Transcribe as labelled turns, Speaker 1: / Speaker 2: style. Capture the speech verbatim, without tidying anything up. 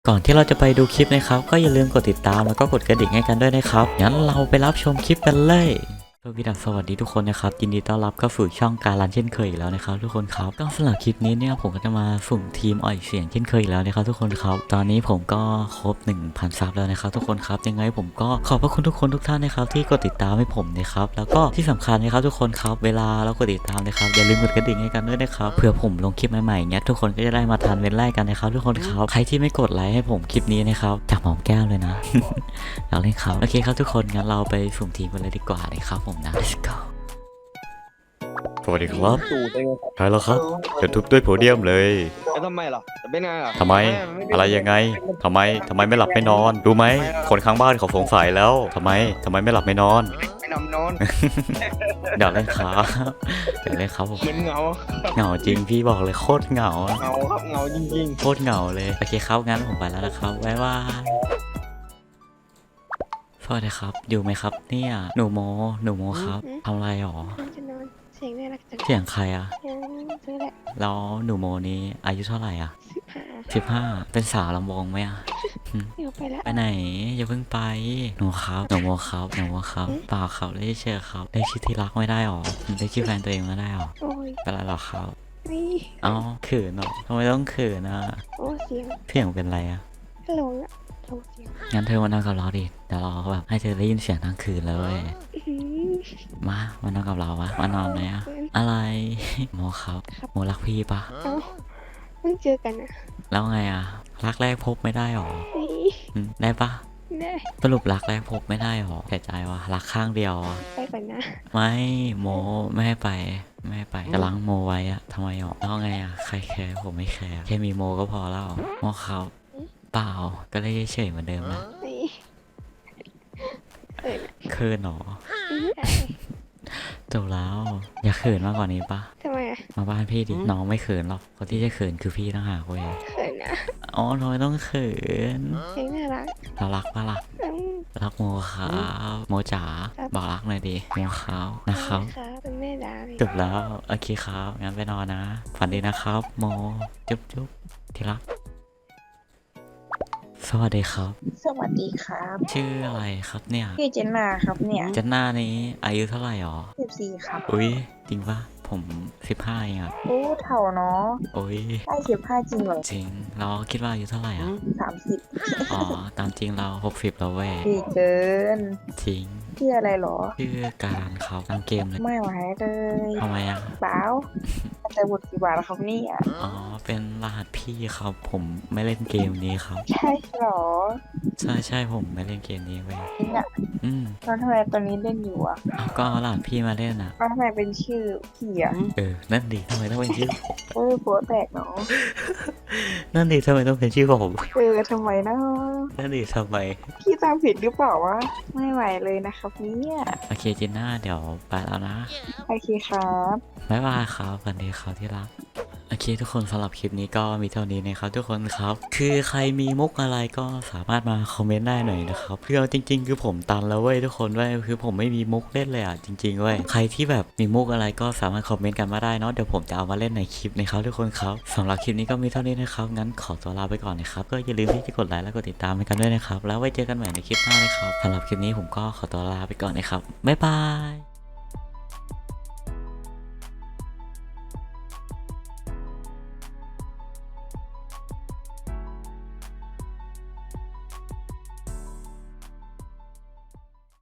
Speaker 1: ก่อนที่เราจะไปดูคลิปนะครับก็อย่าลืมกดติดตามแล้วก็กดกระดิ่งให้กันด้วยนะครับงั้นเราไปรับชมคลิปกันเลยสวัสดีสวัสดีทุกคนนะครับยินดีต้อนรับเข้าสู่ช่องการันเช่นเคยอีกแล้วนะครับทุกคนครับก็สำหรับคลิปนี้เนี่ยผมก็จะมาสุ่มทีมอ่อยเสียงเช่นเคยอีกแล้วนะครับทุกคนครับตอนนี้ผมก็ครบ หนึ่งพัน ซับแล้วนะครับทุกคนครับยังไงผมก็ขอบพระคุณทุกคนทุกท่านนะครับที่กดติดตามให้ผมนะครับแล้วก็ที่สำคัญนะครับทุกคนครับเวลาเรากดติดตามนะครับอย่าลืมกดกระดิ่งให้กันด้วยนะครับเผื่อผมลงคลิปใหม่ๆเงี้ยทุกคนก็จะได้มาทันเว้นไล่กันนะครับทุกคนครับใครที่ไม่กดไลค์ให้ผมคลิปนี้นะครับจับหอมแก้มเลยนะ อยากเล่นครับโอเคครับทุกคนงั้นเราไปสุ่มทีมกันเลยดีกว่านะครับผมนะ let's go สวัสดีครับ
Speaker 2: สูตรได้ไง
Speaker 1: ใช่แล้วครับจะทุบด้วยโพเดียมเลย
Speaker 2: แล้วทำไมล่ะจะเป็นไงล่ะ
Speaker 1: ทำไมอะไรยังไงทำไมทำไมไม่หลับไม่นอนรู้ไหมคนข้างบ้านเขาสงสัยแล้วทำไมทำไมไม่หลับไม่นอน
Speaker 2: ไม่นำนอน
Speaker 1: อยากเล่นครับอยากเล่นครับผม
Speaker 2: เหมือนเหงา
Speaker 1: เหงาจริงพี่บอกเลยโคตรเหงาอะ
Speaker 2: เหงาครับเหงาจริง
Speaker 1: โคตรเหงาเลยโอเคครับงั้นผมไปแล้วนะครับบ๊ายบายสวัสดีครับอยู่ไหมครับเนี่ยหนูโมหนูโมครับทำอะไรหรอ
Speaker 3: จะนอนเสียงน่ารักจัง
Speaker 1: เสียงใครอะ
Speaker 3: ยังซื้อแหละ
Speaker 1: แล้วหนูโมนี้อายุเท่าไหร่อะ
Speaker 3: สิบห้า
Speaker 1: สิบห้าเป็นสาวลำวงไหมอะ
Speaker 3: เดี๋ยวไปแล้ว
Speaker 1: ไปไหนอย่าเพิ่งไปหนูครับหนูโมครับหนูโมครับเปล่าครับได้เชื่อครับได้ชื่อที่รักไม่ได้หรอได้ชื่อแฟนตัวเองไม่ได้หรอ
Speaker 3: โอ้ย
Speaker 1: เป็นไรหรอครับ
Speaker 3: นี่
Speaker 1: เอ้าเขินเหรอทำไมต้องเขินอะ
Speaker 3: โอ้เสียง
Speaker 1: เสียงเป็นไรอะ
Speaker 3: ฮัลโหลอะโทรเสียง
Speaker 1: งั้นเธอมานั่งกับเราดิเดี๋ยวเราแบบให้เธอได้ยินเสียงทั้งคืนเลย
Speaker 3: อื้อหือ
Speaker 1: มามานั่งกับเราวะมานอนไหมอะอะไร โมครับโมรักพี่ปะ
Speaker 3: เอ้าเพิ่งเจอกันอะ
Speaker 1: แล้วไงอะรักแรกพบไม่ได้หรอ
Speaker 3: นี่
Speaker 1: อืมได้ปะ
Speaker 3: ได้
Speaker 1: สรุปรักแรกพบไม่ได้หรอเสียใจวะรักข้างเดียวอะ
Speaker 3: ไปก่อนนะ
Speaker 1: ไม่โมไม่ให้ไปไม่ให้ไปจะล้างโมไว้อะทำไมหรอแล้วไงอะใครแคร์ผมไม่แคร์แค่มีโมก็พอแล้วโมเขาเปล่าก็เลยเฉยๆเหมือนเดิมนะ
Speaker 3: นี่เขินอะ
Speaker 1: เขินหรอ
Speaker 3: อื้ออาย
Speaker 1: จบแล้วอย่าเขินมากกว่านี้ปะ
Speaker 3: ทำไมอะ
Speaker 1: มาบ้านพี่ดิน้องไม่เขินหรอกคนที่จะเขินคือพี่ต่างหากเว้ย
Speaker 3: เขินอะ
Speaker 1: อ๋อทำไมต้องเขิน
Speaker 3: เสียงน่ารัก
Speaker 1: เรารักปะล่ะ
Speaker 3: อืม
Speaker 1: รักโมครับโมจ๋าบอกรักหน่อยดิโมครับนะครับ
Speaker 3: ครับเป็นแม่ดาเลย
Speaker 1: จบแล้วโอเคครับงั้นไปนอนนะฝันดีนะครับโมจุ๊บจุ๊บที่รักสวัสดีครับ
Speaker 4: สวัสดีครับ
Speaker 1: ชื่ออะไรครับเนี่ย
Speaker 4: พี่เจนนาครับเนี่ย
Speaker 1: เจันหน้านี้อายุเท่าไหร่หรอ
Speaker 4: สิบสี่ครับ
Speaker 1: อุ้ยจริงปะผมสิบห้าเองอะ
Speaker 4: โอ้เท่าเนาะ
Speaker 1: อุ้ย
Speaker 4: ได้สิบห้าจริงเหรอ
Speaker 1: จริงเราคิดว่าอายุเท่าไหร่อ่ะ
Speaker 4: สามสิบ
Speaker 1: อ๋อตามจริงเราหกสิบแล้วเว้ย
Speaker 4: ดีเกิน
Speaker 1: จริง
Speaker 4: ชื่ออะไรเหรอ
Speaker 1: ชื่อการเขาตามเกมเลย
Speaker 4: ไม่ไหวเลย
Speaker 1: ทำไมอ่ะ
Speaker 4: เปล่าแต่บทกี่บาทแล้วครับเนี่ย
Speaker 1: อ๋อเป็นรหัสพี่ครับผมไม่เล่นเกมนี้ครับ
Speaker 4: ใช่เหรอ
Speaker 1: ใช่ใช่ผมไม่เล่นเกมนี้เว้ย
Speaker 4: จริงอะ
Speaker 1: อืม
Speaker 4: แล้วทำไมตอนนี้เล่นอยู่อะ
Speaker 1: เอาก็เอารหัสพี่มาเล่นอ่ะ
Speaker 4: แล้วทำไมเป็นชื่อพี่อะ
Speaker 1: เออนั่นดิทำไมต้องเป็นชื่อผม
Speaker 4: เออโป๊แตกเนาะ
Speaker 1: นั่นดิทำไมต้องเป็นชื่อผม
Speaker 4: เออทำไมนะ
Speaker 1: นั่นดิทำไม
Speaker 4: พี่ตามผิดหรือเปล่าวะไม่ไหวเลยนะครับเนี่ย
Speaker 1: โอเคจินน่าเดี๋ยวไปแล้วนะ
Speaker 4: โอเคครับ
Speaker 1: บ๊ายบายครับวันดีครับที่รักโอเคทุกคนสำหรับคลิปนี้ก็มีเท่านี้นะครับทุกคนครับคือใครมีมุกอะไรก็สามารถมาคอมเมนต์ได้หน่อยนะครับคือเอาจริง ๆ คือผมตันแล้วเว้ยทุกคนเว้ยคือผมไม่มีมุกเล่นเลยอ่ะจริงๆเว้ยใครที่แบบมีมุกอะไรก็สามารถคอมเมนต์กันมาได้เนาะเดี๋ยวผมจะเอามาเล่นในคลิปนะครับทุกคนครับสำหรับคลิปนี้ก็มีเท่านี้นะครับงั้นขอตัวลาไปก่อนนะครับก็อย่าลืมที่จะกดไลค์และกดติดตามให้กันด้วยนะครับแล้วไว้เจอกันใหม่ในคลิปหน้านะครับสำหรับคลิปนี้ผมก็ขอตัวลาไปก่อนนะครับบ๊ายบาย